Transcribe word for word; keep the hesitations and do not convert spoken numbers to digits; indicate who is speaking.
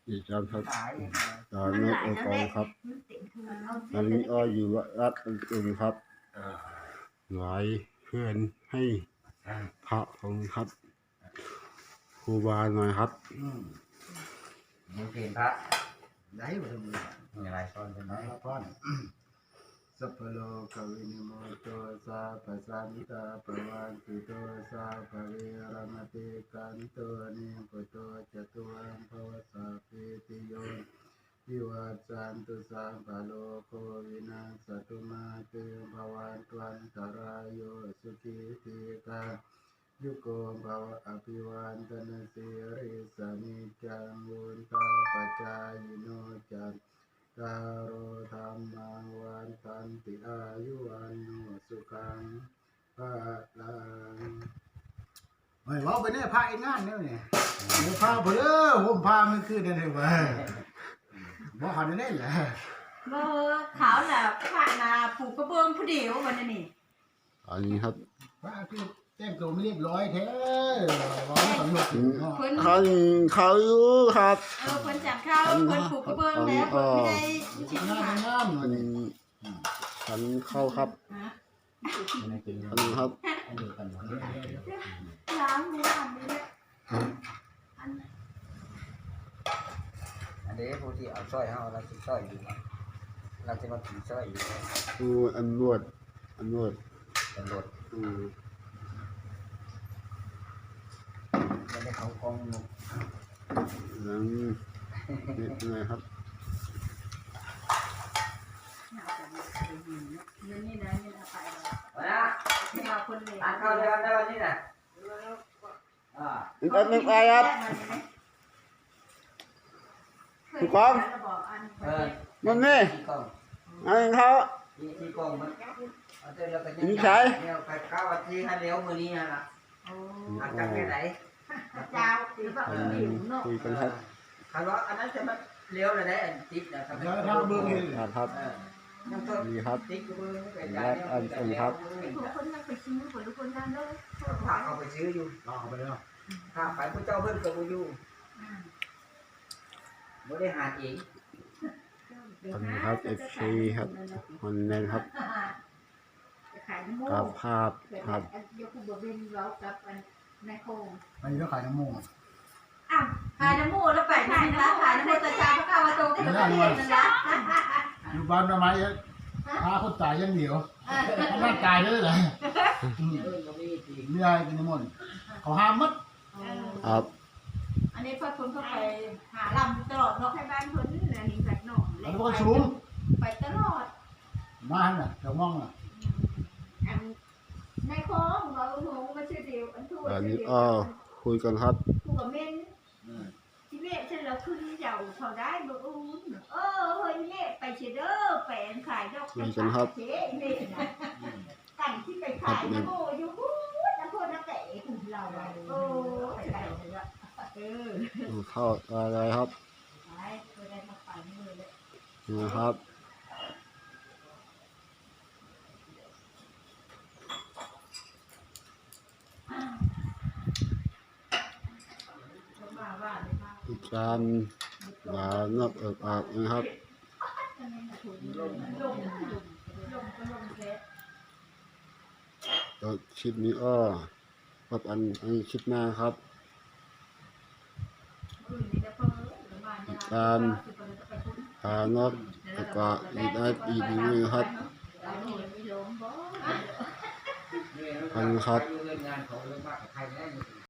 Speaker 1: อีกครับครับตอนนี้องค์กรครับตอนนี้อ้ออยู่วัดอื่นครับหลายเพื่อนให้พระของครับครูบาหน่อยครับ
Speaker 2: มึงเปลี่ยนพระได้หมดเลยมีอะไรซ่อนใช่ไหมซ่อนสัพพโลกวินิโมโตสาปัสสันตาปวันติโตสาภเวรมติกันโตนิปุตโตจตุวันภวสาปิติโยวิวัจจันตุสัมภโลโควินาศตุมาเตภวันตวันตรายโยสุขีติกายุโกภวะอภิวันตนาสิริสนิจังวุนตาปัจจายโนจันตารโอธรรมังวันตันติอายุวันโนสุขังภะลังเฮ้ยว่าไปเนี่ยพาอีกงานเนี่ยเนี่ยเดี๋ยวพาไปเด้อผมพามันขึ้นได้เลยเว้ยบ่หันได้แหละ
Speaker 3: เมื่อขาวน่ะผ่านนาผูกกระเบื้องผู้เดียววันนี้
Speaker 1: อันนี้ครับ
Speaker 2: ว่าคือแต่งตัวไม่เรียบร้อยแท้ร้อยสำรวจ
Speaker 1: เขาเขาอยู่ครับ
Speaker 3: เออเพิ่นจัดข้าวเพิ่นผูกกระเบื้องแล้วเพิ่นไม่ได้
Speaker 2: ชิ้นงานงาม
Speaker 1: อันฉันเข้าครับอันนี้ครับ
Speaker 3: ล้างมืออันนี้แหละ
Speaker 2: อันนี้ผู้ที่เอาสร้อยเอาเราจะสร้อยอยู่เราจะมาถือสร้อยอยู่
Speaker 1: อืออันนวดอันนวด
Speaker 2: อันนวด
Speaker 1: อือ
Speaker 2: ไม่ได้เขากองนุก
Speaker 1: นั่นนี่ไงครับ
Speaker 3: นี่นี่นะนี่นะไป
Speaker 2: แล้วนะ
Speaker 3: นี่เอาคนเลย
Speaker 2: อ่านเข้าเรื่องได้วันนี้นะ
Speaker 1: อ่าอีกอันหนึ่งไปครับถูกต้องมันนี่อันเขา
Speaker 2: ที่กองมัน
Speaker 1: นี่ใช่
Speaker 2: เนี่ยไปเข้าวันที่ให้เลี้ยวมือนี้นะล่ะอาจจะแค่ไหน
Speaker 3: เจ้าหรือเปล่า
Speaker 1: คุยกันครับ
Speaker 2: คำว่าอันนั้นจะมาเลี้ยวเลยได้ติ๊กนะครับ
Speaker 1: ครับครับดีครับและอันอันครับ
Speaker 3: ทุกคนยังไปซื้อผลทุกคนนั่นเลย
Speaker 2: ฝากเอาไปซื้ออยู่เอาไปแล้วถ้าไปพระเจ้าเพิ่นกับอยู่ไม่ได้หาเอง
Speaker 1: อันนี้ครับเอฟซีครับคนแน่นครับกับภาพครับ
Speaker 3: ยกบุบินเรากับในโคง
Speaker 2: อันนี้ก็ขายน้ำมูก
Speaker 3: อ้าวขายน้ำมูกแล้วไปไหนนะขายน้ำมูกตาจาพระข้าวโตก็ไม่ได้เงินนะ
Speaker 2: อยู่บ้านทำไมพาคนตายยังเดียวน่าตายเลยเหรอไม่ได้กินน้ำมันเขาห้ามมัด
Speaker 1: ครับ
Speaker 3: อันนี้พอคนเข้าไปหาลำตลอดเนาะให้บ้านคนนี่นะนี่แบบหนอง
Speaker 2: แล้วก็ชูม
Speaker 3: ไปตลอด
Speaker 2: มาน่ะเจ้ามองน่ะ
Speaker 3: ในคลองเราหนูมาเชื่อเดียวอันทั่ว
Speaker 1: อันนี้อ๋อคุยกันครับ
Speaker 3: คุยกับเม่นที่เม่ฉันเราขึ้นเจ้าเขาได้บ่อู้เออเฮ้ยเม่ไปเชื่อเด้อแปลงขายดอก
Speaker 1: คุยกันครับ
Speaker 3: เจ๊เม่นะกันที่ไปขายนะโมอยู่พูดนะพูดนะเตะเราโอ้ไปไปเลยเออ
Speaker 1: เข้าอะไรครับ
Speaker 3: ไปไปได้มาไปนี่เลย
Speaker 1: นะครับการหลานกเอิบอาบนะครับตัวคลิปนี้อ้อกับอันอันคลิปหน้าครับการหานกแล้วก็อีกได้อีกนึงครับอันครับ